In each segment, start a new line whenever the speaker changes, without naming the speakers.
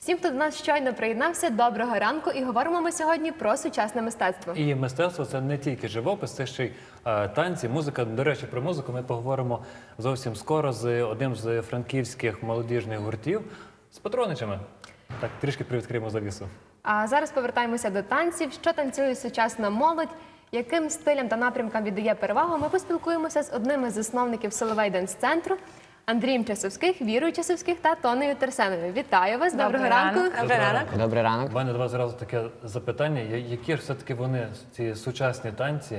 Всім, хто до нас щойно приєднався, доброго ранку. І говоримо ми сьогодні про сучасне мистецтво.
І мистецтво – це не тільки живопис, це ще й танці, музика. До речі, про музику ми поговоримо зовсім скоро з одним з франківських молодіжних гуртів, з Патроничами. Так, трішки привідкриємо завісу.
А зараз повертаємося до танців. Що танцює сучасна молодь? Яким стилям та напрямкам віддає перевагу? Ми поспілкуємося з одним із засновників Соловей Денс-центру Андрієм Часовських, Вірою Часовських та Тонею Терсеновою. Вітаю вас! Доброго ранку!
Добрий ранок.
Добрий ранок.
У мене до вас зразу таке запитання. Які ж все-таки вони, ці сучасні танці,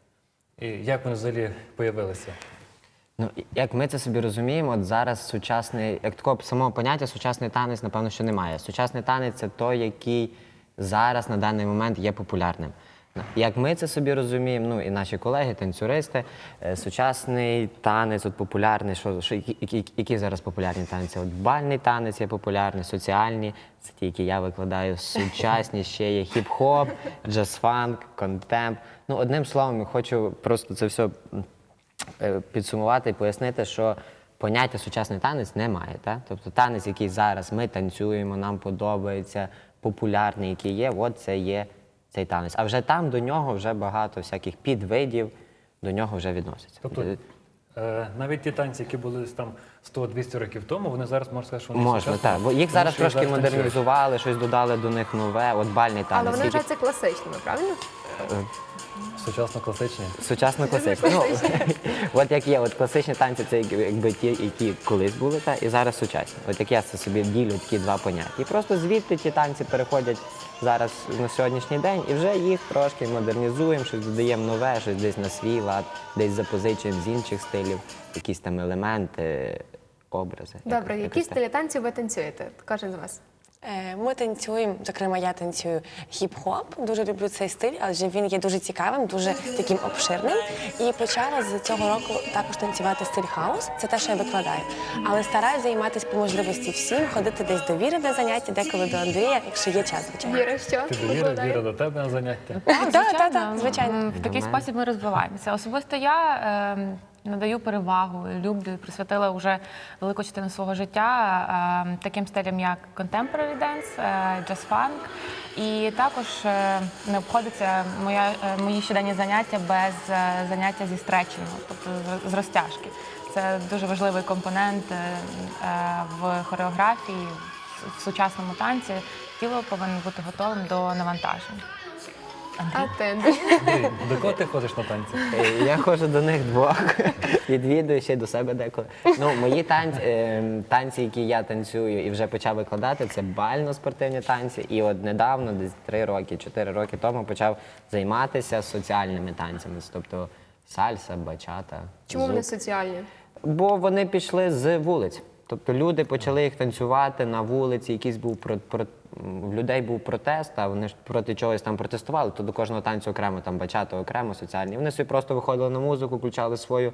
і як вони взагалі появилися?
Ну, як ми це собі розуміємо, от зараз сучасний, як такого самого поняття, сучасний танець, напевно, що немає. Сучасний танець – це той, який зараз на даний момент є популярним. Як ми це собі розуміємо, ну і наші колеги, танцюристи, сучасний танець, от популярний, які зараз популярні танці? От бальний танець є популярний, соціальні, це ті, які я викладаю, сучасні ще є хіп-хоп, джаз-фанк, контемп. Ну, одним словом, я хочу просто це все підсумувати і пояснити, що поняття сучасний танець немає. Так? Тобто танець, який зараз ми танцюємо, нам подобається, популярний, який є, от це є цей танець. А вже там до нього вже багато всяких підвидів до нього вже відносяться.
Тобто навіть ті танці, які були там 100-200 років тому, вони зараз, можна сказати, що вони
можна,
сучасні?
так. Бо їх зараз
Тому що
трошки
танцюють.
модернізували, щось додали до них нове, от бальний танець.
Але вони
який-
вважаються класичними, правильно?
Сучасно-класичні.
Сучасно класичні. Ну, от як є, от класичні танці це якби ті, які колись були, і зараз сучасні. От як я це собі ділю такі два поняття. І просто звідти ті танці переходять зараз на сьогоднішній день, і вже їх трошки модернізуємо, щось додаємо нове, щось десь на свій лад, десь запозичуємо з інших стилів, якісь там елементи, образи.
Добре, які
якось так.
стилі танців ви танцюєте? Кожен з вас.
Ми танцюємо, зокрема, я танцюю хіп-хоп, дуже люблю цей стиль, адже він є дуже цікавим, дуже таким обширним. І почала з цього року також танцювати стиль хаус, це те, що я викладаю. Але стараюся займатися по можливості всім, ходити десь до Віри на заняття, деколи до Андрія, якщо є час, звичайно.
Віра, що?
Ти до Віри,
викладає?
Віра до тебе на заняття.
Так, звичайно.
В такий спосіб ми розвиваємося. Особисто я надаю перевагу, люблю і присвятила вже велику частину свого життя таким стилям, як contemporary dance, jazz-funk. І також не обходиться мої щоденні заняття без заняття зі стретчингу, тобто з розтяжки. Це дуже важливий компонент в хореографії, в сучасному танці. Тіло повинно бути готовим до навантажень.
А ти, Андрій?
Андрій, до кого ти ходиш на танці?
Я ходжу до них двох, відвідую ще й до себе деколи. Ну, мої танці, які я танцюю і вже почав викладати, це бально-спортивні танці. І от недавно, десь 3 роки, 4 роки тому, почав займатися соціальними танцями, тобто сальса, бачата.
Чому вони
зуп.
соціальні?
Бо вони пішли з вулиць. Тобто люди почали їх танцювати на вулиці, якийсь був в людей був протест, а вони ж проти чогось там протестували, то до кожного танцю окремо, там бачата окремо, соціальні. Вони собі просто виходили на музику, включали свою,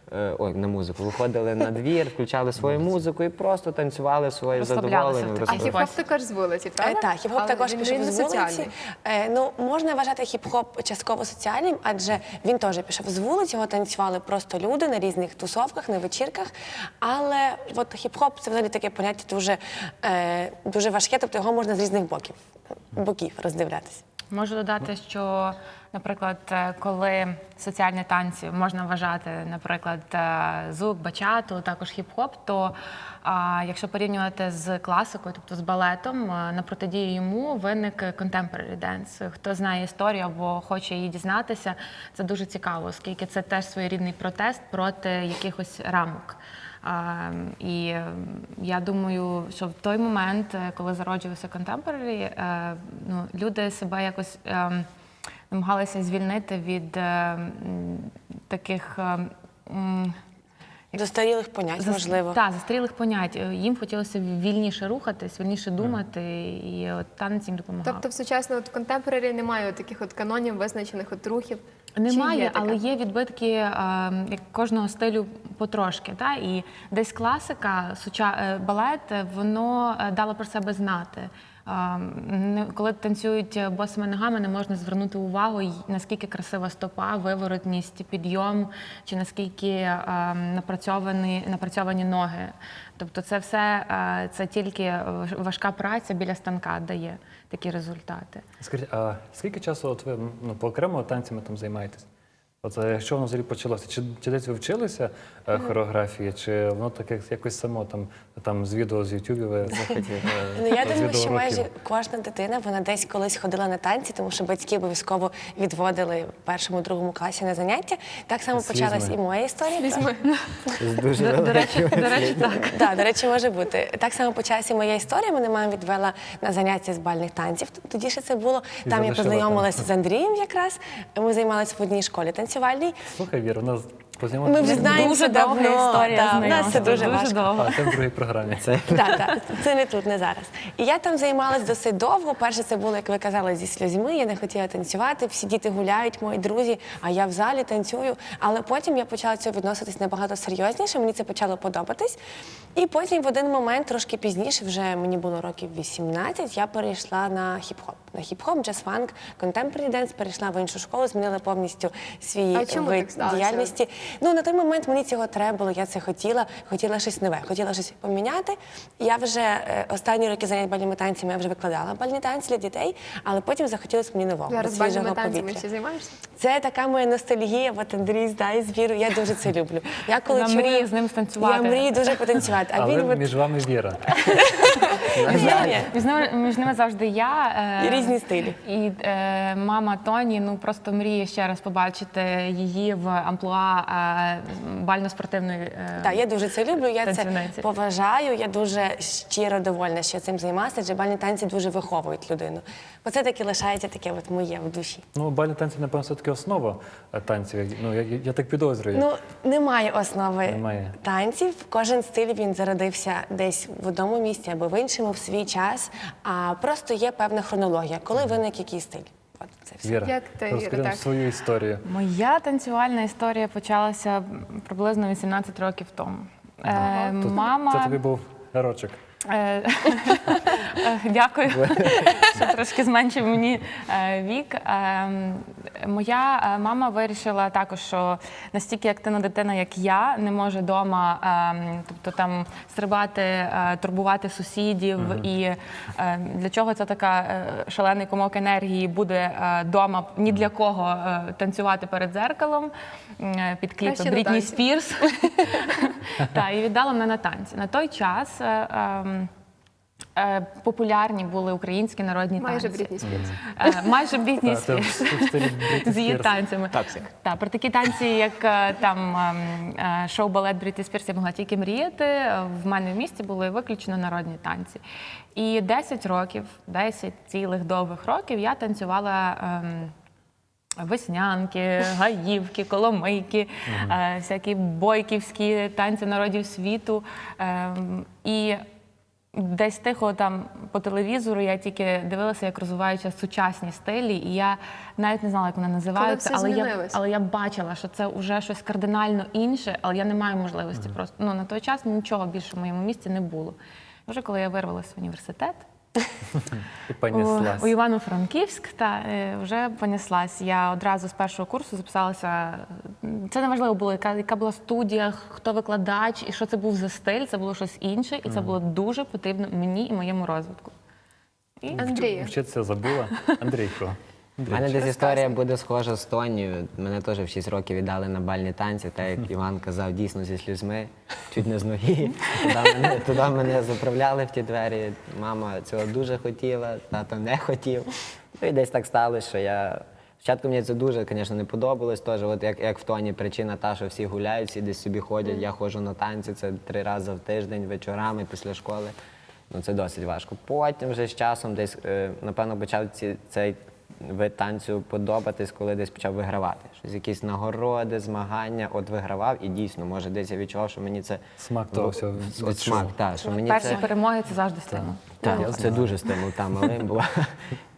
виходили на двір, включали свою музику і просто танцювали своє
Розслаблялися
задоволення.
в такий
А хіп-хоп також з вулиці, правда?
Так, хіп-хоп
Але
також
він
пішов
не
з вулиці.
соціальний.
Ну, можна вважати хіп-хоп частково соціальним, адже він теж пішов з вулиці, його танцювали просто люди на різних тусовках, на вечірках. Але от хіп-хоп – це взагалі таке поняття дуже важке, тобто його можна з різних боків роздивлятися.
Можу додати, що, наприклад, коли соціальні танці можна вважати, наприклад, зук, бачату, також хіп-хоп, то якщо порівнювати з класикою, тобто з балетом, на протидію йому виник contemporary dance. Хто знає історію або хоче її дізнатися, це дуже цікаво, оскільки це теж своєрідний протест проти якихось рамок. І я думаю, що в той момент, коли зароджувався contemporary, люди себе якось намагалися звільнити від таких
Застарілих понять, можливо.
Так, застарілих понять. Їм хотілося вільніше рухатись, вільніше думати, і от танець їм допомагав.
Тобто в сучасному контемпорарі немає таких от канонів, визначених от рухів?
Немає,
Чи є таке?
але є відбитки як кожного стилю потрошки. Та? І десь класика, балет, воно дало про себе знати. Коли танцюють босими ногами, не можна звернути увагу, наскільки красива стопа, виворотність, підйом, чи наскільки напрацьовані ноги. Тобто це все, це тільки важка праця біля станка дає такі результати.
Скажіть, а скільки часу от ви по окремо танцями там займаєтесь? От що воно взагалі почалося? Чи десь ви вчилися хореографії, чи воно таке якось само там з відео, з Ютубів ви
Ну, я
з
думаю, що
відеоуроків?
майже кожна дитина, вона десь колись ходила на танці, тому що батьки обов'язково відводили в першому, другому класі на заняття. Так само
З
почалась
слізьми.
і моя історія.
З дуже
До речі, так.
Так, до речі, може бути. Так само почалася і моя історія. Мене мама відвела на заняття з бальних танців. Тоді ще це було.
І
Там я
залишила
познайомилася з Андрієм якраз. Ми займалися в одній школі танцювальній.
Слухай, Віра, у нас
Ми
познайомилися.
вже знаємося
Дуже довга
давно.
історія
Да, в нас це
знайомства,
дуже важко.
довго.
А це в другій програмі.
Так, це не тут, не зараз. І я там займалась досить довго. Перше це було, як ви казали, зі сльозьми. Я не хотіла танцювати. Всі діти гуляють, мої друзі, а я в залі танцюю. Але потім я почала до цього відноситись набагато серйозніше. Мені це почало подобатись. І потім в один момент, трошки пізніше, вже мені було років 18, я перейшла на хіп-хоп. На хіп-хоп, джаз-фанк, contemporary dance, перейшла в іншу школу, змінила повністю свій
А чому
вид
так сталося?
діяльності. Ну, на той момент мені цього треба було, я це хотіла щось нове, хотіла щось поміняти. Я вже останні роки занять бальними танцями, я вже викладала бальні танці для дітей, але потім захотілося мені нового,
Зараз
свіжого
бальними танцями
повітря.
всі займаєшся?
Це така моя ностальгія, от Андрій знає з Вірою, я дуже це люблю. Я коли
Вона мріє з ним станцювати.
Я мрію дуже потанцювати, а
Але
він от...
між вами Віра.
Ні,
Між ними завжди я.
І різні стилі.
І мама Тоні, ну просто мріє ще раз побачити її в амплуа бально-спортивної.
Так, я дуже це люблю, я це
танцівниці.
поважаю, я дуже щиро довольна, що я цим займаюся, адже бальні танці дуже виховують людину. Оце таки лишається таке от моє в душі.
Ну, бальні танці, напевно, все-таки основа танців. Ну, я так підозрюю.
Ну, немає основи
Немає.
танців. Кожен стиль він зародився десь в одному місці або в іншому, в свій час. А просто є певна хронологія, коли виник який стиль. От це все.
Віра,
Як ти, Віра,
розкажи нам
так?
свою історію.
Моя танцювальна історія почалася приблизно 18 років тому.
Це тобі був рочок.
Дякую, що трошки зменшив мені вік. Моя мама вирішила також, що настільки активна дитина, як я, не може вдома, тобто там стрибати, турбувати сусідів. І для чого це така шалений комок енергії буде вдома ні для кого танцювати перед дзеркалом під кліпи
Краще на
Брітні
танці.
Спірс. Так, і віддала мене на танці. На той час популярні були українські народні
Майже
танці.
Брітні Спірс.
Майже Брітні
Це в
Спірс.
стилі Брітні
З її
Спірс.
танцями. Так, про такі танці, як там шоу-балет Брітні Спірс, я могла тільки мріяти. В мене в місті були виключно народні танці. І 10 років, 10 цілих довгих років я танцювала веснянки, гаївки, коломийки, всякі бойківські танці народів світу. І десь тихо там по телевізору я тільки дивилася, як розвиваються сучасні стилі, і я навіть не знала, як вони називаються,
все змінилось.
але я бачила, що це вже щось кардинально інше, але я не маю можливості просто. Ну, на той час нічого більше в моєму місці не було. Вже коли я вирвалася в університет,
І понеслась.
у Івано-Франківськ, вже понеслась. Я одразу з першого курсу записалася. Це не важливо було, яка була студія, хто викладач і що це був за стиль. Це було щось інше, і це було дуже потрібно мені і моєму розвитку.
Андрію,
Вчитися забула. Андрійко.
У мене десь історія буде схожа з Тонією. Мене теж в 6 років віддали на бальні танці, так як Іван казав, дійсно зі сльозьми, чуть не з ноги. Туди мене заправляли в ті двері. Мама цього дуже хотіла, тато не хотів. Ну і десь так сталося, що я... Спочатку мені це дуже, звісно, не подобалось. Теж, от як в Тоні причина та, що всі гуляють, всі десь собі ходять. Я ходжу на танці, це 3 рази в тиждень, вечорами, після школи. Ну це досить важко. Потім вже з часом десь, напевно, почав цей вид танцю подобатись, коли десь почав вигравати. Щось, якісь нагороди, змагання, от вигравав і дійсно, може, десь я відчував, що мені це...
Смак того всього
От
відчув.
смак, так, що мені
Перші
це...
перемоги – це завжди стимул.
Так, це дуже стимул, там малим була.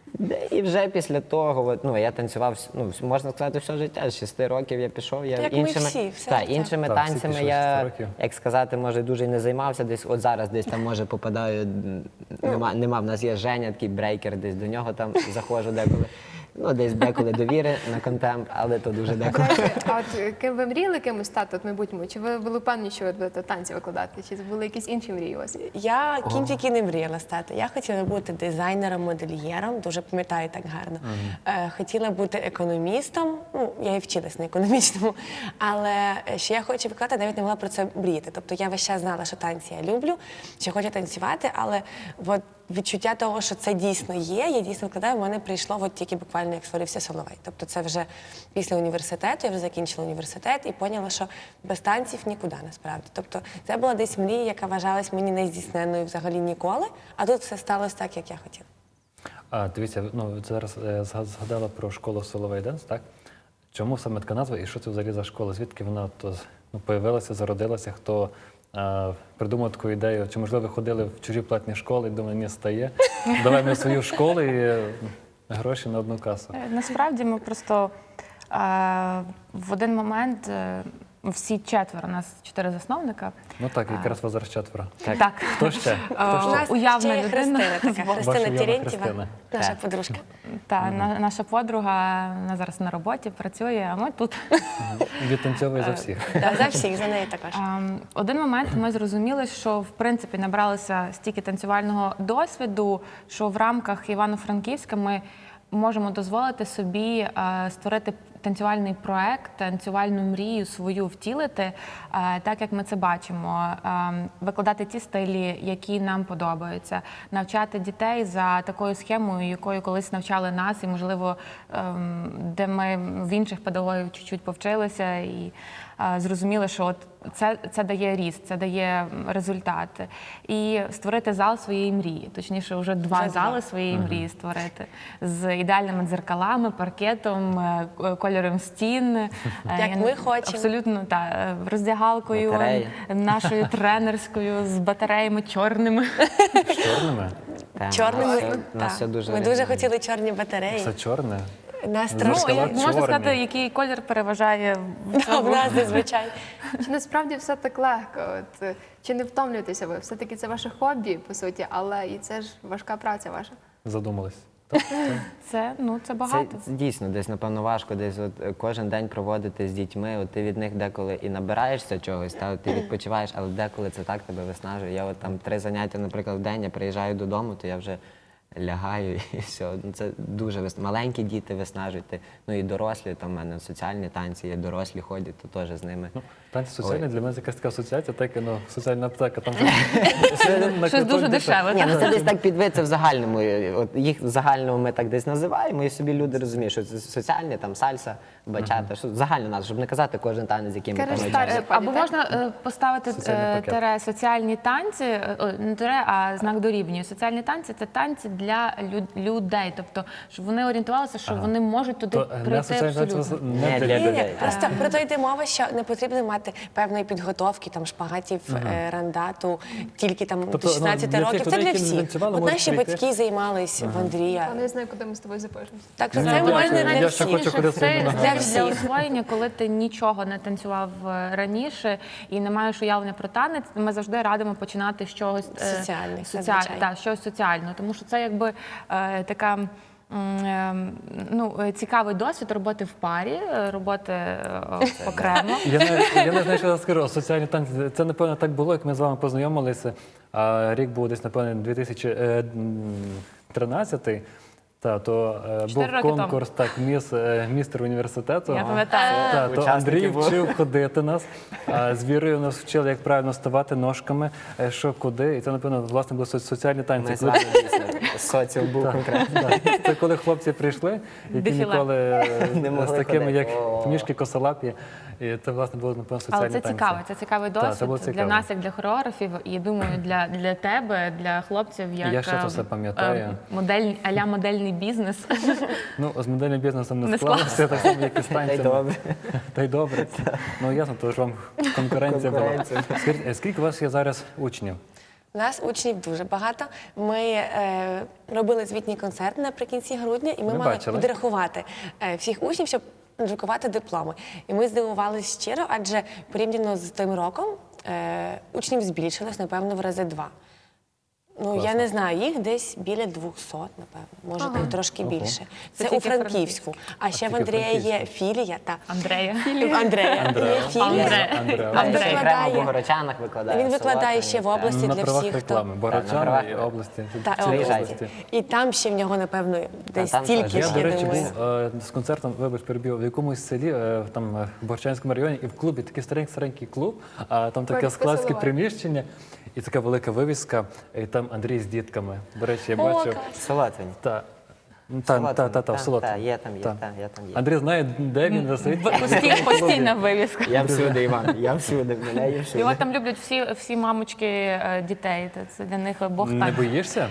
І вже після того, от, ну, я танцював, ну, можна сказати, все життя. З 6 років я пішов. Я
Як ми всі, все
так,
життя.
іншими
Так, всі
танцями
пішли з 6
я,
років.
як сказати, може, дуже і не займався. Десь, от зараз десь там, може, попадаю, нема, в нас є Женя, такий брейкер, десь до нього там заходжу деколи. Ну, десь деколи довіри на контемп, але то дуже деколи.
А от ким ви мріяли кимось стати от в майбутньому? Чи ви були впевнені, що ви будете танці викладати? Чи були якісь інші мрії у вас?
Я кінчики не мріяла стати. Я хотіла бути дизайнером, модельєром, дуже пам'ятаю так гарно. Хотіла бути економістом. Ну, я і вчилась на економічному, але що я хочу викладати, навіть не могла про це мріяти. Тобто я весь час знала, що танці я люблю, що хочу танцювати, але от відчуття того, що це дійсно є, я дійсно викладаю, в мене прийшло от тільки буквально, як створився Соловей. Тобто це вже після університету, я вже закінчила університет і поняла, що без танців нікуди насправді. Тобто це була десь мрія, яка вважалась мені нездійсненною взагалі ніколи, а тут все сталося так, як я хотіла.
А, дивіться, ну, зараз згадала про школу Соловей Денс, так? Чому саме така назва і що це взагалі за школа? Звідки вона появилася, зародилася? Хто придумав таку ідею? Чи, можливо, ви ходили в чужі платні школи і думали, ні, стає, давай ми свою школу і гроші на одну касу?
Насправді ми просто в один момент всі четверо, у нас 4 засновника.
Ну так, якраз вас зараз 4.
Так.
Хто ще?
У нас
Уявна
ще є
людина.
Христина така,
Ваша
Христина
уявна
Терентьєва,
Христина.
наша
Так.
подружка.
Наша подруга, вона зараз на роботі працює, а ми тут.
Відтанцьовує за всіх.
Да, за всіх, за неї також.
Один момент ми зрозуміли, що в принципі набралися стільки танцювального досвіду, що в рамках Івано-Франківська ми можемо дозволити собі створити танцювальний проект, танцювальну мрію свою втілити, так як ми це бачимо, викладати ті стилі, які нам подобаються, навчати дітей за такою схемою, якою колись навчали нас, і можливо, де ми в інших педагогів чуть-чуть повчилися і зрозуміли, що от це дає ріст, це дає результати. І створити зал своєї мрії, точніше, вже два зали своєї мрії створити з ідеальними дзеркалами, паркетом, кольором стін.
Як ми хочемо.
Абсолютно, так. Роздягалкою,
Батареї.
нашою тренерською, з батареями чорними.
З чорними?
Так,
Чорними.
у нас все дуже
Ми дуже
оригінально.
хотіли чорні батареї.
Все чорне?
Нас
Зеркала
трошки.
Можна
чорні.
сказати, який колір переважає в
В нас зазвичай.
Чи насправді все так легко? От, чи не втомлюєтеся ви? Все-таки це ваше хобі, по суті, але і це ж важка праця ваша.
Задумались.
це
Це
багато.
дійсно десь, напевно, важко десь от кожен день проводити з дітьми. От ти від них деколи і набираєшся чогось, та от ти відпочиваєш, але деколи це так тебе виснажує. Я от там 3 заняття, наприклад, в день, я приїжджаю додому, то я вже лягаю і все. Ну, це дуже маленькі діти виснажують. Ну і дорослі, там в мене соціальні танці, є дорослі ходять, то теж з ними.
Танці соціальні для мене це якась така асоціація, так і соціальна аптека. Там
Щось дуже дешеве.
Ні, ну це десь так підвиться в загальному. От їх в загальному ми так десь називаємо, і собі люди розуміють, що це соціальні, там сальса, бачата, що загально нас, щоб не казати кожен танець, яким ми там
Кажеш,
навчаємося.
так.
Або можна поставити
Соціальний пакет.
тире соціальні танці, не тире, а знак дорівнює. Соціальні танці це танці для людей, тобто щоб вони орієнтувалися, що вони можуть туди
То не
прийти
соціальні танці
абсолютно.
не
Не
для
для
Ні,
людей.
ні, просто про то йде мова, що не потрібно мати певної підготовки, там шпагатів, рандату, тільки там
Тобто,
до 16
для тих
років. Це
людей,
для
які не
всіх.
танцювали,
От
можуть
наші
прийти.
батьки займались в Андрія.
Я не знаю, куди ми з тобою запишемося.
Так що
Ні,
це
дякую.
можна
Я
для
ще
всіх.
хочу ходити
Це
своїми ногами.
Для
для
всіх.
освоєння, коли ти нічого не танцював раніше і не маєш уявлення про танець, ми завжди радимо починати з чогось
Соціальних, зазвичай.
щось соціального, тому що це якби така. Цікавий досвід роботи в парі, роботи окремо.
Я не знаю, що я скажу. Соціальні танці, це, напевно, так було, як ми з вами познайомилися. Рік був десь, напевно, 2013. То був
4 роки
конкурс, так, містер університету.
Я пам'ятаю.
То
Учасники
Андрій
були.
вчив ходити нас. З Вірою нас вчили, як правильно ставати ножками, що куди. І це, напевно, власне, були соціальні танці.
Ми з вами дійсно соціум був конкретно.
Так. Це коли хлопці прийшли, які
Дефіле.
ніколи
Не могли
з такими,
ходити.
як
О.
книжки косолапі. І це, власне, було, напевно, соціальні
Але це
танці.
цікаво, це цікавий
Так, це
досвід
було
для
цікаво.
нас, як для хореографів, і думаю, для тебе, для хлопців, як
Я ще це все пам'ятаю.
а-ля модельний бізнес.
Ну, з модельним бізнесом не
Не
склалося, так само, як і з
Та й
танцями.
добре.
Та й добре. Ну, ясно, то ж вам конкуренція була.
Конкуренція.
Скажіть, скільки у вас є зараз учнів?
У нас учнів дуже багато. Ми робили звітній концерт наприкінці грудня, і ми
Ми
мали
бачили.
підрахувати всіх учнів, щоб друкувати дипломи. І ми здивувалися щиро, адже порівняно з тим роком учнів збільшилось, напевно, в рази 2. Ну, я не знаю, їх десь біля 200, напевно, може там трошки більше. Це
тільки
у Франківську. А ще в
тільки
Андрія є
Франківську.
філія.
Андрея.
В Андрея є філія.
Андреа.
А
Він
Андрей.
окремо в
викладає-
Богородчанах викладає.
Він викладає ще в області
На
для
правах
всіх,
реклами.
хто...
Богородчани
правах-
і області.
Та,
Цілої
області.
області.
І там ще в нього, напевно, десь
там
стільки
теж.
Я,
ж,
до
я
речі,
думаю.
був з концертом, вибач, перебив, в якомусь селі, там в Борчанському районі, і в клубі такий старенький клуб, а там таке
Городське
складське
село.
приміщення, і така велика вивіска, і там Андрій з дітками. До речі, я бачив.
Солотвині.
Та, в
Та,
Солотвині.
є там, є,
Та.
та, я там є.
Андрій знає, де він стоїть.
Постійна вивіска.
Я всюди, Іван, я всюди, мене є всюди.
Його там люблять всі мамочки дітей. Це для них Бог
Не
так.
боїшся?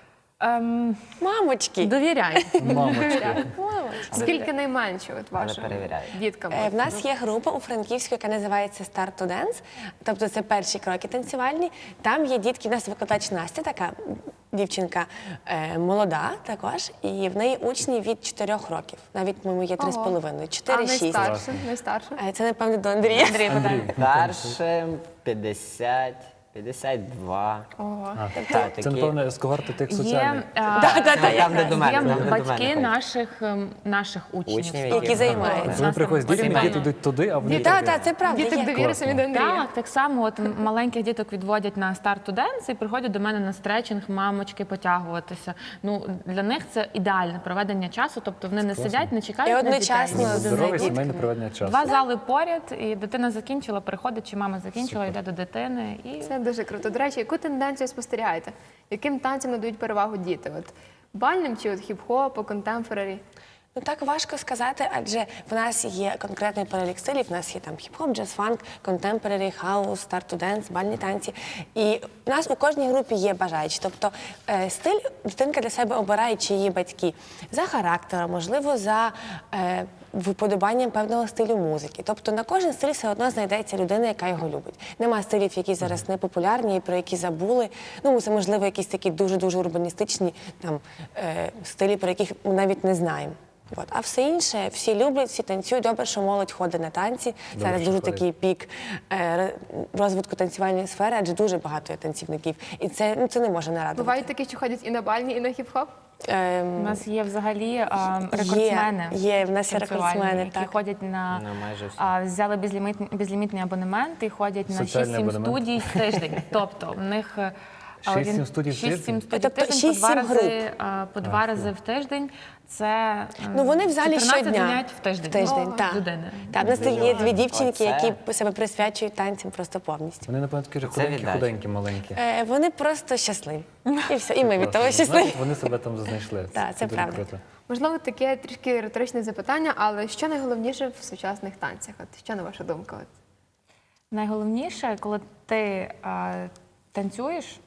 Мамочки!
Довіряй.
Мамочки.
Скільки найменше от
Але
вашим
перевіряю.
діткам?
В нас є група у Франківську, яка називається Start to Dance, тобто це перші кроки танцювальні. Там є дітки, в нас викладач Настя, така дівчинка молода також, і в неї учні від 4 років, навіть, по-моєму, є 3,5,
А
4-6.
найстарше? Найстарше?
Це, напевно, до Андрія.
Андрій, питання.
Старшим 50, 52.
Ого.
Так,
Це,
такі.
напевно, з когорти тих
Є,
соціальних.
Там, де до мене,
є
там, де до
батьки
мене.
наших учнів.
Учнів,
Які займаються.
Коли приходять з дітьми,
Сімейно.
діти йдуть туди, а вони
Так,
туди.
так, це правда.
Діток
є.
довіри самі до Андрія.
Так само от маленьких діток відводять на старт денс і приходять до мене на стретчинг, мамочки потягуватися. Ну, для них це ідеальне проведення часу, тобто вони не сидять, не чекають
І
на
одночасно
дітей.
Здорове
дітками.
сімейне проведення часу.
Два зали поряд, і дитина закінчила, приходить, чи мама закінчила, йде до дитини. І
Це дуже круто. До речі, яку тенденцію спостерігаєте? Яким танцям надають перевагу діти? От бальним чи от хіп-хопу, контемпорарі?
Ну так важко сказати, адже в нас є конкретний перелік стилів. В нас є там хіп-хоп, джаз-фанк, контемпорарі, хаус, старт-ту-денс, бальні танці. І в нас у кожній групі є бажаючі. Тобто стиль дитинка для себе обирає, чи її батьки за характером, можливо, за виподобанням певного стилю музики. Тобто на кожен стиль все одно знайдеться людина, яка його любить. Нема стилів, які зараз не популярні і про які забули. Ну, це, можливо, якісь такі дуже-дуже урбаністичні там, стилі, про яких ми навіть не знаємо. От. А все інше, всі люблять, всі танцюють. Добре, що молодь ходить на танці. Зараз
що
дуже
ходять.
такий пік розвитку танцювальної сфери, адже дуже багато є танцівників. І це не може не радувати.
Бувають такі, що ходять і на бальні, і на хіп-хоп?
у нас є взагалі рекордсмени.
Є, в нас є
танцювальні,
рекордсмени,
які
так.
ходять на
майже всі.
взяли безлімітний абонемент і ходять на
Соціальний
6-7
абонемент.
студій в тиждень. Тобто в них
6-7 студій в тиждень?
6-7 студій в
Тобто
тиждень,
6-7
по два рази в тиждень. Це
Ну, вони в залі
14
щодня.
занять в тиждень. Ну,
так.
людини.
Так, в нас є дві дівчинки,
Оце.
які себе присвячують танцям просто повністю.
Вони, напевно, такі ж
Це віддача.
худенькі, маленькі.
Вони просто щасливі. І все, і ми від того
Значить,
щасливі.
вони себе там знайшли.
Так, це
дуже
правда.
круто.
Можливо, таке трішки риторичне запитання, але що найголовніше в сучасних танцях? От що на вашу думку? От?
Найголовніше, коли ти танцюєш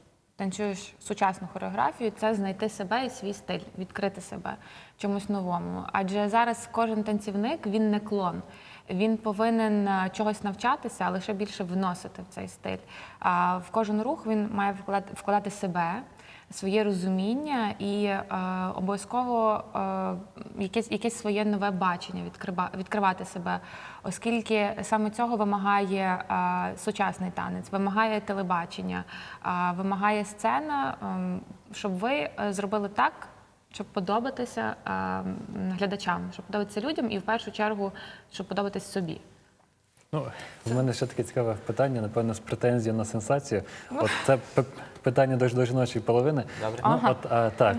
сучасну хореографію, це знайти себе і свій стиль, відкрити себе чомусь новому. Адже зараз кожен танцівник, він не клон. Він повинен чогось навчатися, а лише більше вносити в цей стиль. А в кожен рух він має вкладати себе, своє розуміння і обов'язково якесь своє нове бачення, відкривати себе, оскільки саме цього вимагає сучасний танець, вимагає телебачення, вимагає сцена, щоб ви зробили так, щоб подобатися глядачам, щоб подобатися людям і в першу чергу, щоб подобатись собі.
Ну, у мене ще таке цікаве питання, напевно, з претензією на сенсацію. От це питання до жіночої половини.
Добре.
Ну, так,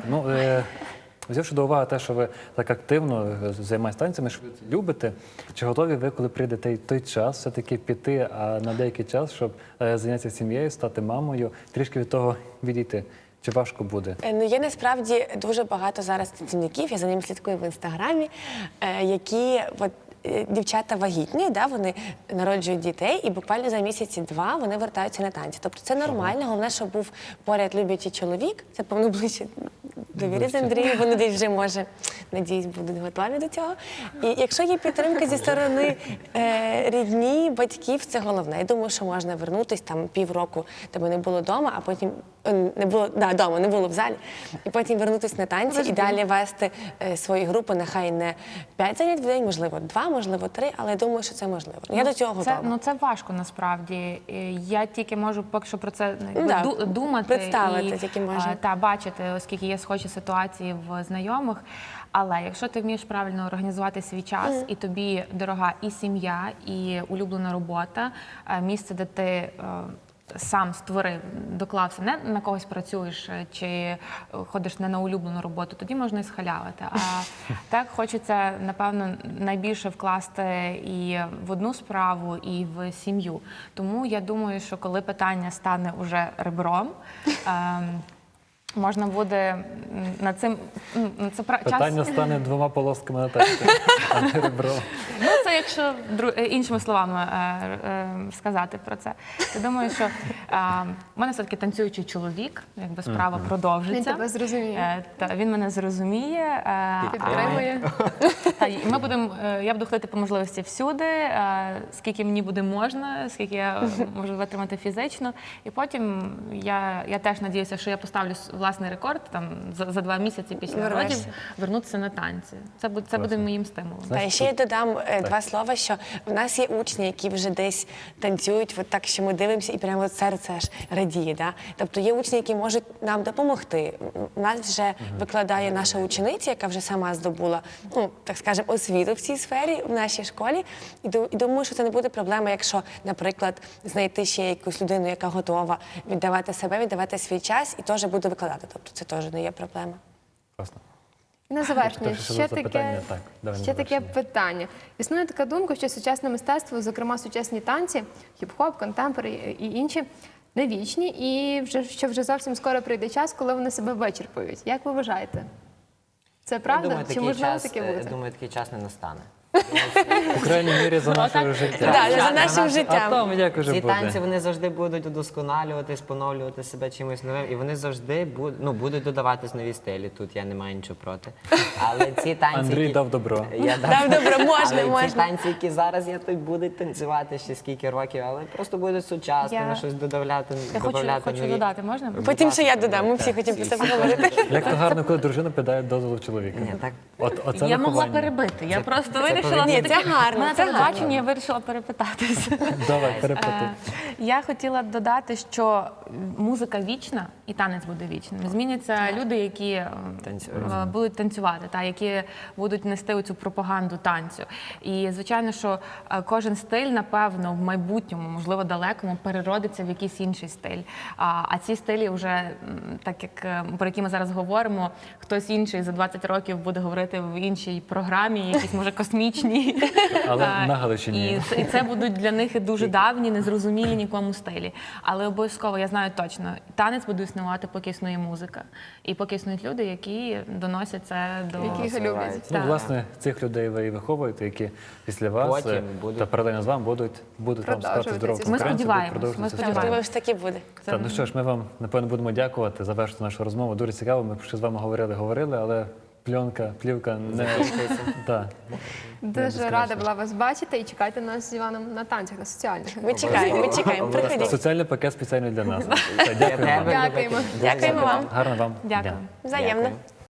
взявши до уваги те, що ви так активно займаєтесь танцями, що ви це любите, чи готові ви, коли прийде той час, все-таки піти на деякий час, щоб зайнятися сім'єю, стати мамою, трішки від того відійти? Чи важко буде?
Ну, є насправді дуже багато зараз танцівників, я за ними слідкую в інстаграмі, які дівчата вагітні, вони народжують дітей, і буквально за місяці-два вони вертаються на танці. Тобто це нормально, головне, щоб був поряд люблячий чоловік, це, певно, ближче довірі з Андрієм, вони десь вже, може, надіюсь, будуть готові до цього. І якщо є підтримка зі сторони рідні, батьків, це головне. Я думаю, що можна вернутися там півроку, тебе не було вдома, а потім не було, вдома, не було в залі, і потім вернутися на танці і далі вести свої групи, нехай не 5 занять в день, можливо, 2, можливо, 3, але я думаю, що це можливо. Я до цього готова.
Це важко насправді. Я тільки можу поки що про це
Да,
думати
представити тільки можна.
та бачити, оскільки є схожі ситуації в знайомих. Але якщо ти вмієш правильно організувати свій час, і тобі дорога і сім'я, і улюблена робота, місце, де ти сам створив, доклався, не на когось працюєш чи ходиш не на улюблену роботу, тоді можна і схалявити. А так хочеться, напевно, найбільше вкласти і в одну справу, і в сім'ю. Тому я думаю, що коли питання стане уже ребром, можна буде над цим
Питання стане 2 полосками на тесті, а не ребром.
Ну, це якщо іншими словами сказати про це. Я думаю, що в мене все-таки танцюючий чоловік, якби справа продовжиться.
Він тебе зрозуміє.
Він мене зрозуміє.
Підтримує.
Я буду ходити по можливості всюди, скільки мені буде можна, скільки я можу витримати фізично. І потім я теж надіюся, що я поставлю власний рекорд там за 2 місяці після родів вернутися на танці. Це буде моїм стимулом.
Та і ще я додам 2 слова, що в нас є учні, які вже десь танцюють, от так, що ми дивимося, і прямо от серце аж радіє. Да? Тобто є учні, які можуть нам допомогти. У нас вже викладає наша учениця, яка вже сама здобула, ну, так скажемо, освіту в цій сфері в нашій школі. І думаю, що це не буде проблема, якщо, наприклад, знайти ще якусь людину, яка готова віддавати себе, віддавати свій час і теж буде викладати. Тобто це теж не є проблема.
Класно.
І на завершення,
Хто ще запитання? Так, давай на
ще таке
завершення.
питання. Існує така думка, що сучасне мистецтво, зокрема сучасні танці, хіп-хоп, контемпори і інші, не вічні, і що вже зовсім скоро прийде час, коли вони себе вичерпують. Як ви вважаєте? Це правда? Чи можливо таке
Я
буде?
думаю, такий час не настане.
По крайній мірі за нашого життя.
Так, за нашим
А
життям.
там як уже
Ці танці
буде.
вони завжди будуть удосконалюватись, поновлювати себе чимось новим, і вони завжди будуть додаватись нові стилі. Тут я не маю нічого проти. Але ці танці,
Андрій
які...
дав добро.
Я
Дав добро, можна,
Але ці
можна.
танці, які зараз я тут будуть танцювати ще скільки років, але просто будуть сучасними, щось додавати,
Я хочу додати, можна?
Потім ще я додам, ми всі хочемо про це поговорити.
Як то гарно, коли дружина піддає дозволу чоловіка.
Ні, так.
Оце
Я могла
виховання.
перебити. Я просто вирішила
Ні, це гарно,
на
це гарно.
телебаченні я вирішила перепитатися.
Давай, перепити.
Я хотіла додати, що музика вічна і танець буде вічним. Зміняться люди, які будуть танцювати, які будуть нести цю пропаганду танцю. І звичайно, що кожен стиль, напевно, в майбутньому, можливо, далекому, переродиться в якийсь інший стиль. А ці стилі вже, так як про які ми зараз говоримо, хтось інший за 20 років буде говорити в іншій програмі, якісь, може, космічній.
Але на Галичині.
І це будуть для них дуже давні, незрозумілі нікому стилі. Але обов'язково, я знаю точно, танець буде існувати, поки існує музика. І поки існують люди, які доносять це до...
Які його люблять.
Ну,
Так.
власне, цих людей ви і виховуєте, які після вас
Потім будуть-
та паралельно з вами будуть вам сказати
Продовжувати
здоров'я.
ці
Ми
конкуренцію,
сподіваємось,
будуть продовжувати
ми
цю
сподіваємось.
справу.
Думаю, що так і буде.
Так, ну що ж, ми вам, напевно, будемо дякувати, завершити нашу розмову. Дуже цікаво, ми ще з вами говорили, але плівка не... Так.
Дуже рада була вас бачити і чекайте нас з Іваном на танцях, на соціальних.
Ми чекаємо, приходіть.
Соціальний пакет спеціально для нас. Все, дякуємо вам.
Дякуємо.
Дякуємо вам.
Гарного вам
Дякую.
дня.
Взаємно.